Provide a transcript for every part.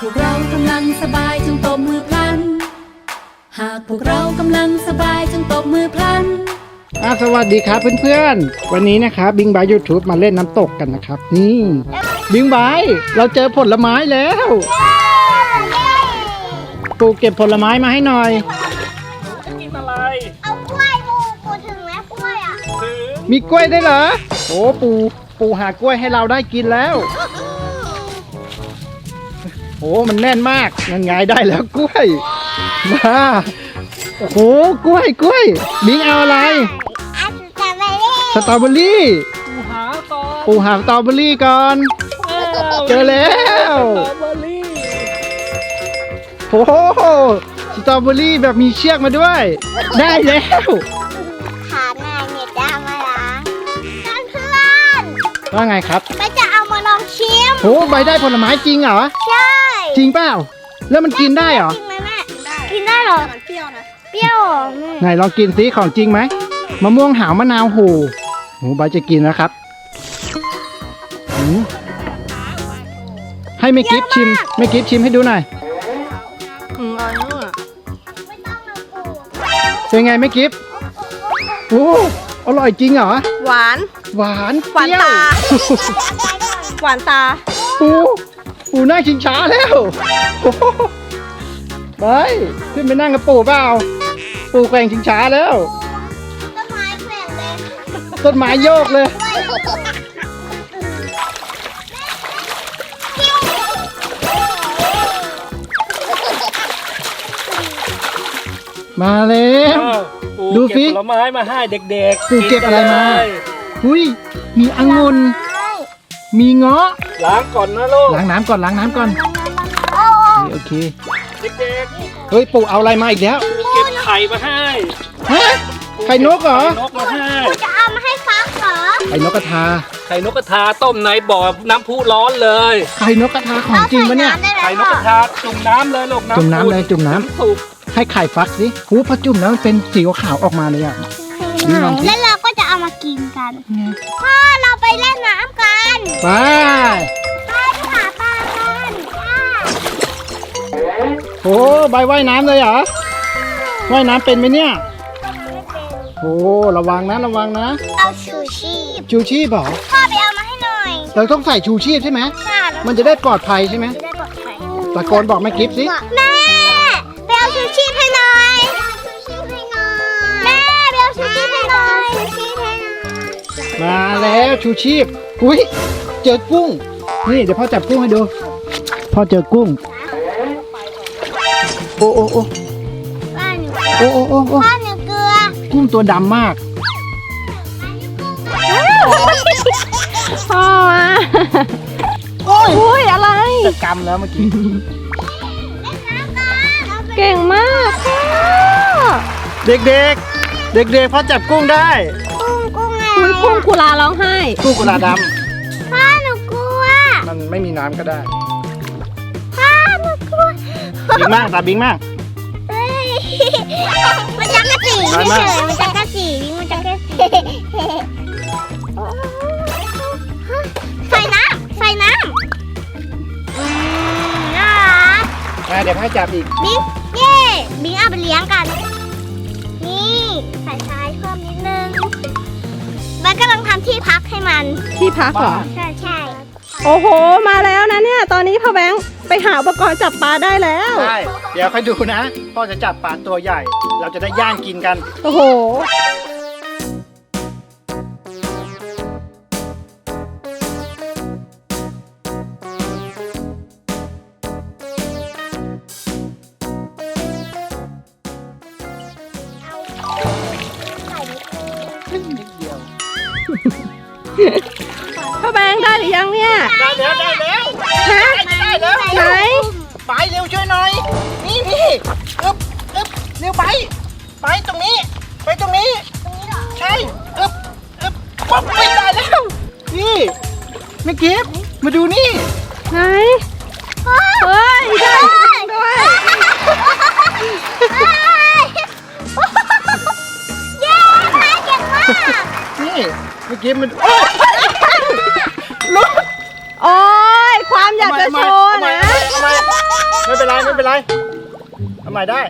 พวกเรากำลังสบายจงตบมือพลันหากพวกเรากำลังสบายจงตบมือพลันสวัสดีครับเพื่อนๆวันนี้นะครับบิงบายยูทูบมาเล่นน้ำตกกันนะครับนี่บิงบายเราเจอผลไม้แล้วปูเก็บผลไม้มาให้หน่อยจะกินอะไรเอากล้วยปูถึงไหมกล้วยอ่ะมีกล้วยได้เหรอโอ้ปูหากล้วยให้เราได้กินแล้วโอ้มันแน่นมากนั่นไงได้แล้วกล้วยมาโอ้โหกล้วยบิงเอาอะไรสตรอเบอรี่ปูหาสตรอเบอรี่ก่อนเจอแล้วสตรอเบอรี่โอ้โหสตรอเบอรี่แบบมีเชือกมาด้วยได้แล้วขาหน้าเนี่ยจะเอามาล้างเพื่อนว่าไงครับไปจะเอามาลองชิมโอ้ใบได้ผลไม้จริงเหรอใช่จริงเปล่าแล้วมันกินได้เหรอจริงไหมแม่กินได้เหรอเปรี้ยวนะเปรี้ยวไหนลองกินซิของจริงไหมมะม่วงหาวมะนาวโหใบจะกินแล้วครับให้แม่กิฟชิมให้ดูหน่อยเป็นไงแม่กิฟโอ้อร่อยจริงเหรอหวานเปรี้ยวตาหวานตาปูนั่งชิงช้าแล้วไปขึ้นไปนั่งกับปู่เปล่าปู่แกว่งชิงช้าแล้วต้นไม้แข็งเลยต้นไม้โยกเลยมาแล้วดูสิผลไม้มาให้เด็กๆปู่เก็บอะไรมาหุ้ยมีองุ่นมีเงาะล้างก่อนนะลูกล้างน้ำก่อนโอเคเด็กๆเฮ้ยปู่เอาอะไรมาอีกแล้วเก็บไข่มาให้ฮะไข่นกเหรอไข่นกมาให้จะเอามาให้ฟักเหรอไข่นกกระทาต้มในบ่อน้ำพุร้อนเลยไข่นกกระทาของจริงปะเนี่ยไข่นกกระทาจุ่มน้ำเลยลูกจุ่มน้ำสุกให้ไข่ฟักสิหูพอจุ่มแล้วมันเป็นสีขาวออกมาเลยอ่ะแล้วเราก็จะเอามากินกันพ่อเราไปเล่นน้ำกันไปหาปลากันโอ้ใบว่ายน้ำเลยเหรอว่ายน้ำเป็นไหมเนี่ยโอ้ระวังนะเอาชูชีพเหรอพ่อไปเอามาให้หน่อยเราต้องใส่ชูชีพใช่ไหมมันจะได้ปลอดภัยใช่ไหมตะโกนบอกแม่กิฟต์สิแม่ไปเอาชูชีพให้หน่อยแม่ไปเอาชูชีพให้หน่อยมาแล้วชูชีพอุ้ยเจอกุ้งนี่เดี๋ยวพ่อจับกุ้งให้ดูพ่อเจอกุ้งโอ้พ่อหนูเกลือกุ้งตัวดำมากพ่อโอ้ยอะไรจะกำแล้วเมื่อกี้เก่งมากเด็กพ่อจับกุ้งได้กุ้งกุลาร้องไห้กุ้งกุลาดำพ่อหนูกลัวมันไม่มีน้ำก็ได้พ่อหนูกลัวบิงมากตาบิงมากมันจักกะจีเฉยมันจักกะจีใส่น้ำน่ารักเดี๋ยวพ่อจับอีกบิงเอาไปเลี้ยงกันนี่ใส่ทรายเพิ่มนิดนึงมันกำลังทำที่พักให้มันที่พักเหรอใช่โอ้โหมาแล้วนะเนี่ยตอนนี้พ่อแบงค์ไปหาอุปกรณ์จับปลาได้แล้วใช่เดี๋ยวค่อยดูนะพ่อจะจับปลาตัวใหญ่เราจะได้ย่างกินกันโอ้โหพ่อแบงค์ได้หรือยังเนี่ยได้แล้วฮะได้แล้วไหนไปเร็วช่วยหน่อยนี่อึ๊บเร็วไปตรงนี้เหรอใช่อึ๊บป๊อบไปได้แล้วนี่แม่กิฟต์มาดูนี่ไหนเฮ้ยได้ด้วยเย้เก่งมากนี่แม่กิฟต์มันโอ้ยความอยากจะโชว์นะไม่เป็นไรทำไมได้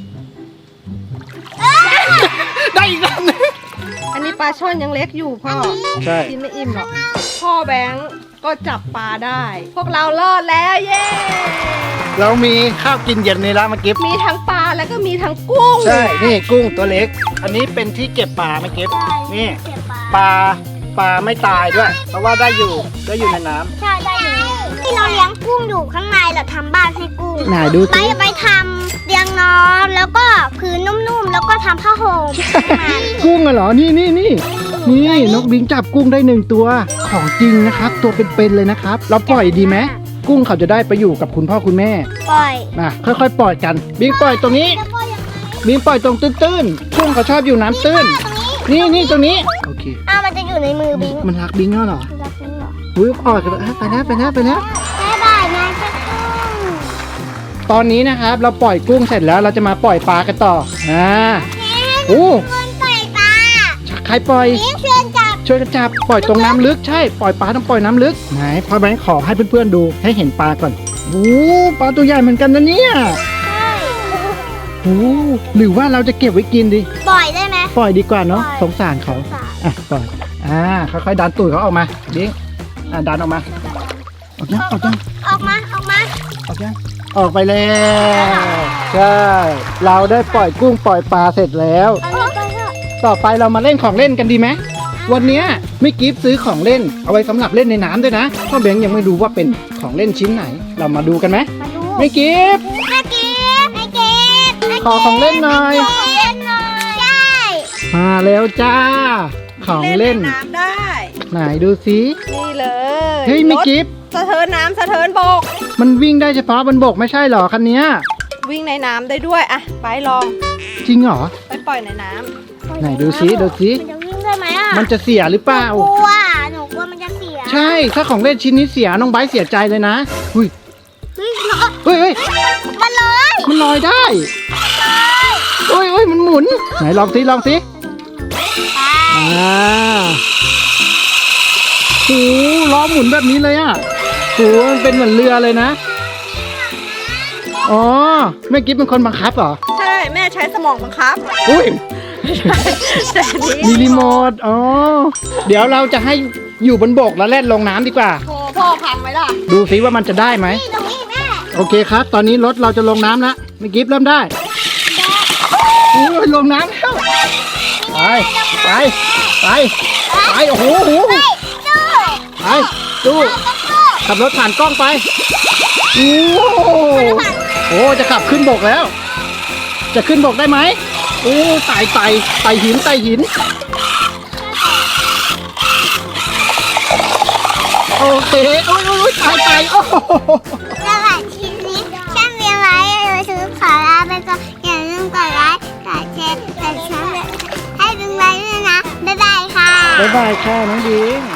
ได้อีกแล้วนึงอันนี้ปลาช่อนยังเล็กอยู่พ่อใช่กินไม่อิ่มหรอก พ่อแบงค์ก็จับปลาได้ พวกเรารอดแล้วเย้เรามีข้าวกินเย็นในร้านเมื่อกี้มีทั้งปลาแล้วก็มีทั้งกุ้งใช่ นี่กุ้งตัวเล็ก อันนี้เป็นที่เก็บปลาเมื่อกี้นี่เก็บปลาไม่ตายด้วย เพราะว่าได้อยู่ในน้ำใช่ได้อยู่ที่เราเลี้ยงกุ้งอยู่ข้างในเราทำบ้านให้กุ้งไหนดูไปสิไปทำเตียงนอนแล้วก็พื้นนุ่มๆแล้วก็ทำผ้าห่มให้มันกุ้งอะเหรอ นี่นกบิงจับกุ้งได้1 ตัวของจริงนะครับ ตัวเป็นๆเลยนะครับ เราปล่อยดีไหมกุ้งเขาจะได้ไปอยู่กับคุณพ่อคุณแม่ปล่อยมาค่อยๆปล่อยกันบิงปล่อยตรงนี้แล้วก็ยังไงบิงปล่อยตรงตื้นๆกุ้งเขาชอบอยู่น้ำตื้นตรงนี้นี่ตรงนี้โอเคมันจะอยู่ในมือบิงมันรักบิงแล้วเหรอรักบิงเหรออุ้ยออกไปแล้วบ๊ายบายนะเจ้ากุ้งตอนนี้นะครับเราปล่อยกุ้งเสร็จแล้วเราจะมาปล่อยปลากันต่อโอ้คนปล่อยปลาใครปล่อยบิงเชิญจับช่วยกันจับปล่อยตรงน้ำลึกใช่ปล่อยปลาต้องปล่อยน้ำลึกไหนพ่อแบงค์ขอให้เพื่อนๆดูให้เห็นปลาก่อนโอ้ปลาตัวใหญ่เหมือนกันนะเนี่ยใช่โอ้หรือว่าเราจะเก็บไว้กินดีปล่อยได้ไหมปล่อยดีกว่าเนาะปล่อยสงสารเขาสารอ่ะปล่อยค่อยๆดันตูดเขาออกมาดิดันออกมาออกยังออกมาออกไปแล้วใช่เราได้ปล่อยกุ้งปล่อยปลาเสร็จแล้วเอาไปเถอะต่อไปเรามาเล่นของเล่นกันดีไหมวันเนี้ยไม่กิฟซื้อของเล่นเอาไว้สำหรับเล่นในน้ำด้วยนะพ่อแบงค์ยังไม่รู้ว่าเป็นของเล่นชิ้นไหน เรามาดูกันไหมมาดูไม่กิฟไม่เก็บไม่เก็บขอของเล่นหน่อยของเล่นหน่อยใช่มาแล้วจ้า ของเล่นในน้ำได้ไหนดูสินี่เลยเฮ้ยไม่รถกิฟสะเทินน้ำสะเทินบกมันวิ่งได้เฉพาะบนบกไม่ใช่หรอคันเนี้ยวิ่งในน้ำได้ด้วยอะไปลองจริงเหรอไปปล่อยในน้ำไหนดูสิมันจะวิ่งได้ไหมอ่ะมันจะเสียหรือเปล่าหนูกลัวมันจะเสียใช่ถ้าของเล่นชิ้นนี้เสียน้องไบร์ทเสียใจเลยนะอุ้ยเฮ้ยเฮ้ยมันเลยมันลอยได้เฮ้ยมันหมุนไหนลองสิโอ้ล้อหมุนแบบนี้เลยอ่ะโอ้มันเป็นเหมือนเรือเลยนะอ๋อแม่กิ๊บเป็นคนบังคับเหรอใช่แม่ใช้สมองบังคับอุ้ยแต่นี้มีรีโมทอ๋อเดี๋ยวเราจะให้อยู่บนบกแล้วแล่นลงน้ำดีกว่าโอ้พ่อพังไหมล่ะดูสิว่ามันจะได้ไหมนี่ตรงนี้แม่โอเคครับ ตอนนี้รถเราจะลงน้ำแล้วแม่กิ๊บเริ่มได้โอ้ยลงน้ำแล้วไปโอ้โหไปดูขับรถผ่านกล้องไปโอ้โหจะขับขึ้นบกแล้ว จะขึ้นบกได้ไหมโอ้ไต่หินโอเคโอ้ยไต่โอ้โหสำหรับคลิปนี้ช่างเรียนไว้เราซื้อขอลาไปก่อนอย่าลืมกดไลค์กดแชร์กดซับให้ดึงไว้ด้วยนะบ๊ายบายค่ะบ๊ายบายค่ะน้องดิง